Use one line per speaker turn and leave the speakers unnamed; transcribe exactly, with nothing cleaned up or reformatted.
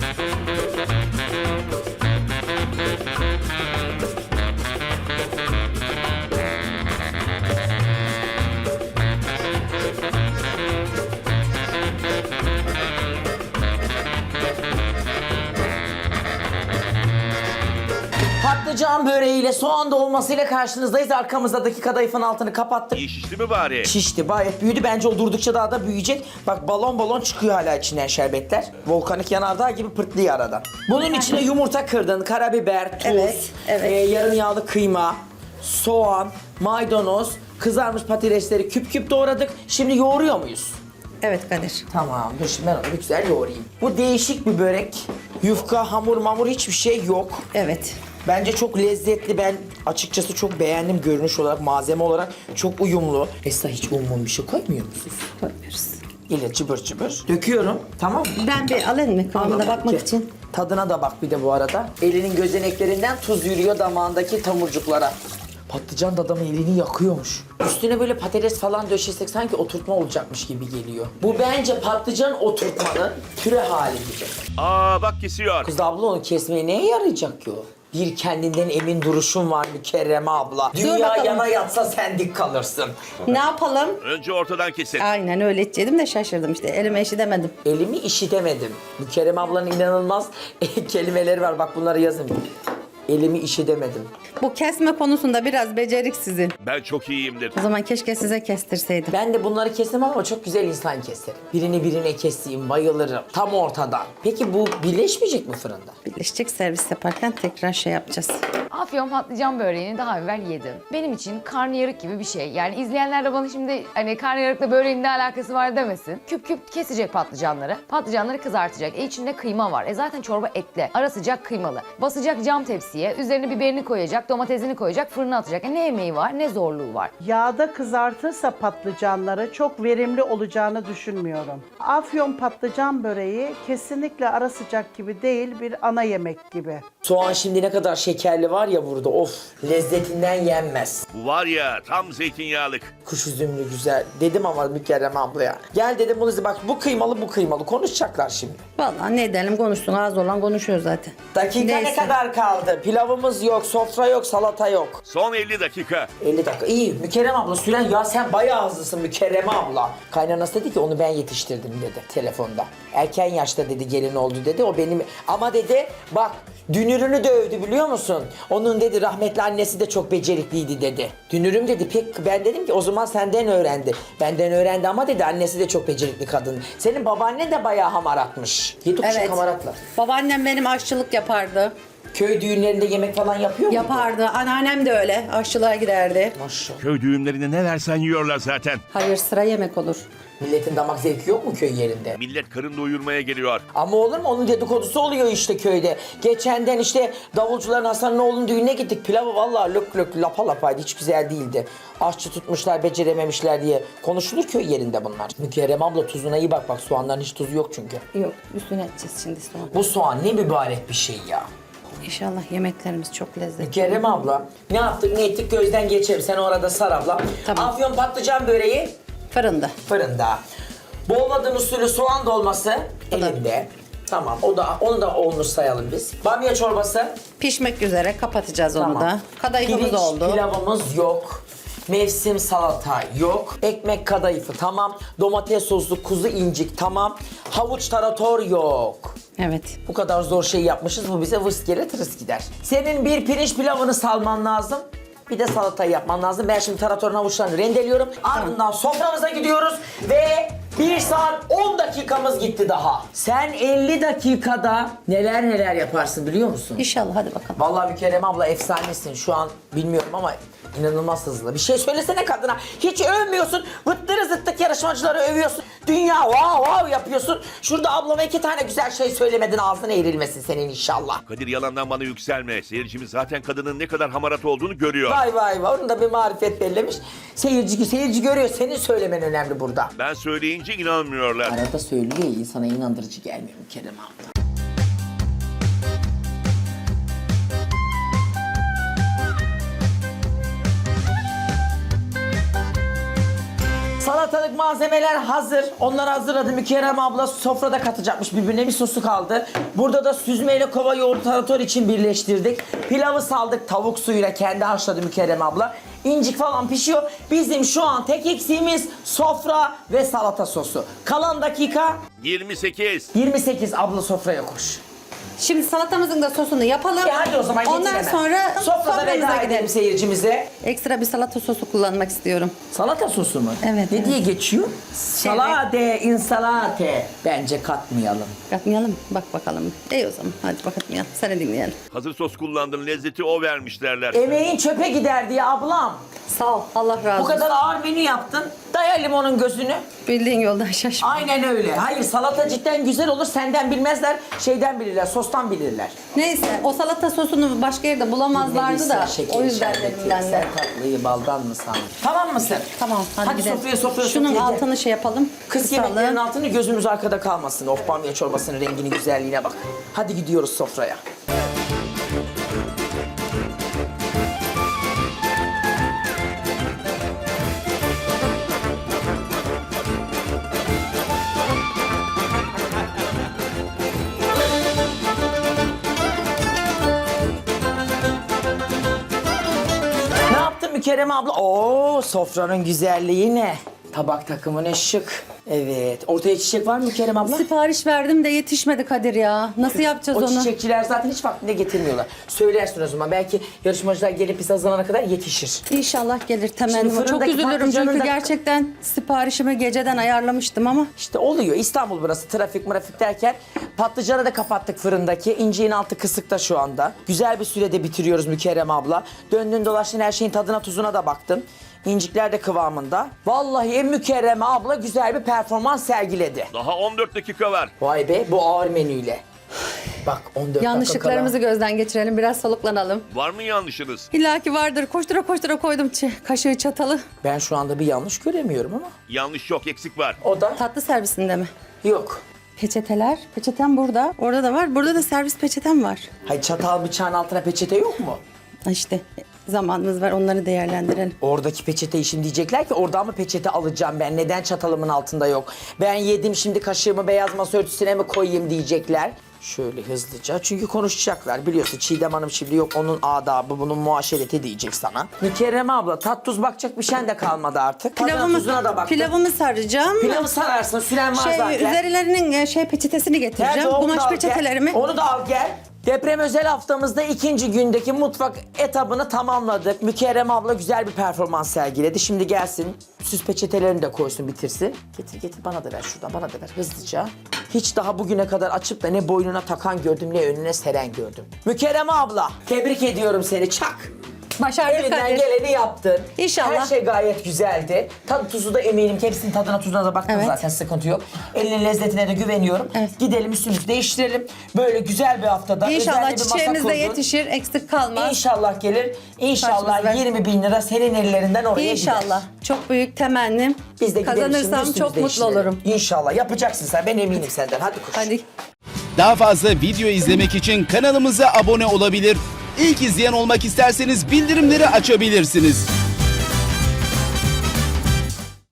Patlıcan böreğiyle soğan dolmasıyla karşınızdayız. Arkamızdaki kadayıfın altını kapattık.
İyi şişti mi bari?
Şişti, gayet büyüdü. Bence o durdukça daha da büyüyecek. Bak balon balon çıkıyor hala içinden şerbetler. Volkanik yanardağ gibi pırtlıyor aradan. Bunun içine yumurta kırdın, karabiber, tuz,
Evet, evet.
e, yarım yağlı kıyma, soğan, maydanoz, kızarmış patatesleri küp küp doğradık. Şimdi yoğuruyor muyuz?
Evet Kadir.
Tamam, dur şimdi ben onu bir güzel yoğurayım. Bu değişik bir börek. Yufka, hamur mamur hiçbir şey yok.
Evet.
Bence çok lezzetli. Ben açıkçası çok beğendim görünüş olarak, malzeme olarak çok uyumlu. Esra hiç un bir şey koymuyor musunuz?
Koymuyoruz.
İle cıbır cıbır. Döküyorum. Tamam mı?
Ben bir alayım mı kıvamına bakmak
Okey.
için?
Tadına da bak bir de bu arada. Elinin gözeneklerinden tuz yürüyor damağındaki tomurcuklara. Patlıcan da adamın elini yakıyormuş. Üstüne böyle patates falan döşesek sanki oturtma olacakmış gibi geliyor. Bu bence patlıcan oturtmanın püre hali gibi.
Aa bak kesiyor.
Kız abla onu kesmeye neye yarayacak ki o? Bir kendinden emin duruşun var Mükerreme abla. Dünya
bakalım.
yana yatsa sen dik kalırsın.
Ne yapalım?
Önce ortadan kesin.
Aynen öyle edecektim de şaşırdım işte. Elime eşi demedim.
Elimi işitemedim. Mükerreme ablanın inanılmaz kelimeleri var. Bak bunları yazın. Elimi işitemedim.
Bu kesme konusunda biraz beceriksizim.
Ben çok iyiyimdir.
O zaman keşke size kestirseydim.
Ben de bunları kesemem ama çok güzel insan keserim. Birini birine keseyim, bayılırım. Tam ortadan. Peki bu birleşmeyecek mi fırında?
Birleşecek, servis yaparken tekrar şey yapacağız.
Afyon patlıcan böreğini daha evvel yedim. Benim için karnıyarık gibi bir şey. Yani izleyenler de bana şimdi hani karnıyarıkla böreğin ne alakası var demesin. Küp küp kesecek patlıcanları. Patlıcanları kızartacak. E içinde kıyma var. E zaten çorba etli. Ara sıcak kıymalı. Basacak cam tepsiye. Üzerine biberini koyacak, domatesini koyacak, fırına atacak. E ne emeği var, ne zorluğu var.
Yağda kızartırsa patlıcanları çok verimli olacağını düşünmüyorum. Afyon patlıcan böreği kesinlikle ara sıcak gibi değil, bir ana yemek gibi.
Soğan şimdi ne kadar şekerli var ya burada. Of, lezzetinden yenmez.
Bu var ya tam zeytinyağlık.
Kuş üzümlü güzel. Dedim ama Mükerreme ablaya. Gel dedim bunu bak bu kıymalı bu kıymalı. Konuşacaklar şimdi.
Vallahi ne edelim konuşsun, az olan konuşuyor zaten.
Dakika ne
Neyse.
kadar kaldı? Pilavımız yok, sofra yok, salata yok.
Son elli dakika.
elli dakika. İyi. Mükerrem abla süren ya sen bayağı hızlısın Mükerreme abla. Kaynanası dedi ki onu ben yetiştirdim dedi telefonda. Erken yaşta dedi gelin oldu dedi. O benim ama dedi bak dünürünü de övdü biliyor musun? Onun dedi rahmetli annesi de çok becerikliydi dedi. Dünürüm dedi pek ben dedim ki o zaman senden öğrendi. Benden öğrendi ama dedi annesi de çok becerikli kadın. Senin babaannen de bayağı hamaratmış. Yedi kuşak
Evet.
hamaratlar.
Babaannem benim aşçılık yapardı.
Köy düğünlerinde yemek falan yapıyor mu?
Yapardı. Anneannem de öyle. Aşçılığa giderdi.
Maşallah.
Köy düğünlerinde ne versen yiyorlar zaten.
Hayır, sıra yemek olur.
Milletin damak zevki yok mu köy yerinde?
Millet karın doyurmaya geliyor.
Ama olur mu? Onun dedikodusu oluyor işte köyde. Geçenden işte davulcuların Hasan'ın oğlunun düğününe gittik. Pilavı vallahi lök lök lapa lapaydı. Hiç güzel değildi. Aşçı tutmuşlar, becerememişler diye. Konuşulur köy yerinde bunlar. Mükerrem abla tuzuna iyi bak bak. Soğanların hiç tuzu yok çünkü.
Yok, üstüne edeceğiz şimdi sonra.
Bu soğan ne mübarek bir şey ya.
İnşallah yemeklerimiz çok lezzetli.
Mükerrem abla ne yaptık ne ettik gözden geçelim. Sen orada sar abla.
Tamam.
Afyon patlıcan böreği
Fırında.
fırında. Bolladın usulü soğan dolması
O da-
elinde. Tamam o da onu da olmuş sayalım biz. Bamya çorbası.
Pişmek üzere, kapatacağız onu
Tamam.
da. Kadayıfımız
Pirinç
oldu.
pilavımız yok. Mevsim salata yok. Ekmek kadayıfı tamam. Domates soslu kuzu incik tamam. Havuç tarator yok.
Evet.
Bu kadar zor şey yapmışız bu bize vıs gelir tırıs gider. Senin bir pirinç pilavını salman lazım. Bir de salatayı yapman lazım. Ben şimdi taratorun havuçlarını rendeliyorum. Ardından soframıza gidiyoruz ve bir saat on dakikamız gitti daha. Sen elli dakikada neler neler yaparsın biliyor musun?
İnşallah, hadi bakalım.
Vallahi Mükerrem abla efsanesin. Şu an bilmiyorum ama inanılmaz hızlı. Bir şey söylesene kadına. Hiç övmüyorsun. Vıttırı zıttık yarışmacıları övüyorsun. Dünya wow wow yapıyorsun. Şurada ablama iki tane güzel şey söylemedin. Ağzına eğrilmesin senin inşallah.
Kadir yalandan bana yükselme. Seyircimiz zaten kadının ne kadar hamarat olduğunu görüyor.
Vay vay vay. Onun da bir marifet bellemiş. Seyirci, seyirci görüyor. Senin söylemen önemli burada.
Ben söyleyince inanmıyorlar.
Arada söylüyor ya insana inandırıcı gelmiyor Mükerrem abla. Salatalık malzemeler hazır. Onları hazırladı. Mükerrem abla sofrada katacakmış birbirine, bir sosu kaldı. Burada da süzmeyle kova yoğurt tarator için birleştirdik. Pilavı saldık tavuk suyuyla, kendi haşladı Mükerrem abla. İncik falan pişiyor. Bizim şu an tek eksiğimiz sofra ve salata sosu. Kalan dakika
yirmi sekiz.
yirmi sekiz. Abla sofraya koş.
Şimdi salatamızın da sosunu yapalım.
E hadi o zaman getir
Ondan
hemen.
sonra
Sofrada
soframıza
veda edelim
gidelim.
seyircimize.
Ekstra bir salata sosu kullanmak istiyorum.
Salata sosu mu?
Evet,
Ne
evet.
diye geçiyor? Salate, insalate. Bence katmayalım.
Katmayalım. Bak bakalım. İyi o zaman. Hadi bakatmayalım. Seni dinleyelim.
Hazır sos kullandın, lezzeti o vermiş derler.
Emeğin çöpe gider diye ablam.
Sağ ol. Allah razı
Bu
olsun.
kadar ağır menü yaptın. Daya limonun gözünü.
Bildiğin yoldan şaşma.
Aynen öyle. Hayır, salata cidden güzel olur. Senden bilmezler, şeyden bilirler, sostan bilirler.
Neyse o salata sosunu başka yerde bulamazlardı da. O yüzden dedim ben de.
Sen tatlıyı baldan mı sandın? Tamam mısın?
Tamam hadi,
Hadi
gidelim.
sofraya sofraya
Şunun
sofraya gel.
altını şey yapalım.
Kız
kısalım.
yemeklerinin altını gözümüz arkada kalmasın. Of, bamya çorbasının renginin güzelliğine bak. Hadi gidiyoruz sofraya. Ne yaptın Mükerrem abla? Oo, sofranın güzelliği ne? Tabak takımı ne şık. Evet. Ortaya çiçek var mı Mükerrem abla?
Sipariş verdim de yetişmedi Kadir ya. Nasıl yapacağız
O
onu?
çiçekçiler zaten hiç vaktinde getirmiyorlar. Söylersin o zaman. Belki yarışmacılar gelip biz hazırlanana kadar yetişir.
İnşallah gelir temennim. Çok
fırındaki
üzülürüm
patlıcanın
çünkü
da-
gerçekten siparişimi geceden ayarlamıştım ama
İşte oluyor. İstanbul burası. Trafik mırafik derken patlıcanı da kapattık fırındaki. İnciğin altı kısıkta şu anda. Güzel bir sürede bitiriyoruz Mükerrem abla. Döndün dolaştın, her şeyin tadına tuzuna da baktın. İncikler de kıvamında. Vallahi Mükerrem abla güzel bir performans sergiledi.
Daha on dört dakika var.
Vay be, bu ağır menüyle. Bak on dört
yanlışlıklarımızı
dakika
gözden geçirelim. Biraz soluklanalım.
Var mı yanlışınız?
İlla ki vardır. Koştura koştura koydum çi- kaşığı çatalı.
kala. Ben şu anda bir yanlış göremiyorum ama.
Yanlış yok, eksik var.
O da
Tatlı servisinde mi?
yok.
Peçeteler. Peçetem burada. Orada da var. Burada da servis peçetem var.
Hayır, çatal bıçağın altına peçete yok mu?
Ha İşte zamanımız var. Onları değerlendirelim.
Oradaki peçeteyi şimdi diyecekler ki oradan mı peçete alacağım ben? Neden çatalımın altında yok? Ben yedim, şimdi kaşığımı beyaz masa örtüsüne mi koyayım diyecekler. Şöyle hızlıca, çünkü konuşacaklar biliyorsun. Çiğdem Hanım şimdi yok, onun adabı, bunun muaşereti diyecek sana. Mükerrem abla, tat tuz bakacak bir şeyin de kalmadı artık. Tadına
Pilavımı,
tuzuna da baktım.
pilavımı saracağım.
Pilavı sararsın, süren var
Şey,
zaten.
üzerlerinin e, şey peçetesini getireceğim.
Nerede o? Onu da
Kumaş
al gel.
peçetelerimi.
Onu da al gel. Deprem özel haftamızda ikinci gündeki mutfak etabını tamamladık. Mükerrem abla güzel bir performans sergiledi. Şimdi gelsin, süs peçetelerini de koysun, bitirsin. Getir getir, bana da ver şuradan, bana da ver hızlıca. Hiç daha bugüne kadar açıp da ne boynuna takan gördüm, ne önüne seren gördüm. Mükerrem abla, tebrik ediyorum seni, çak.
Başardık
Elinden
Kadir.
geleni yaptın.
İnşallah.
Her şey gayet güzeldi. Tadı tuzu da eminim ki hepsinin tadına tuzuna da baktım
Evet.
zaten, sıkıntı yok. Elinin lezzetine de güveniyorum.
Evet.
Gidelim üstümüzü değiştirelim. Böyle güzel bir haftada
İnşallah
özel bir masa
çiçeğimiz de
kurdun.
yetişir, eksik kalmaz.
İnşallah gelir. İnşallah
Başımız ver.
yirmi bin lira senin ellerinden oraya gider.
İnşallah. Çok büyük temennim.
Biz de gidelim şimdi
Kazanırsam
üstümüzü
çok mutlu
değiştirelim.
olurum.
İnşallah yapacaksın sen, ben eminim senden. Hadi koş.
Hadi.
Daha fazla video izlemek için kanalımıza abone olabilir. İlk izleyen olmak isterseniz bildirimleri açabilirsiniz.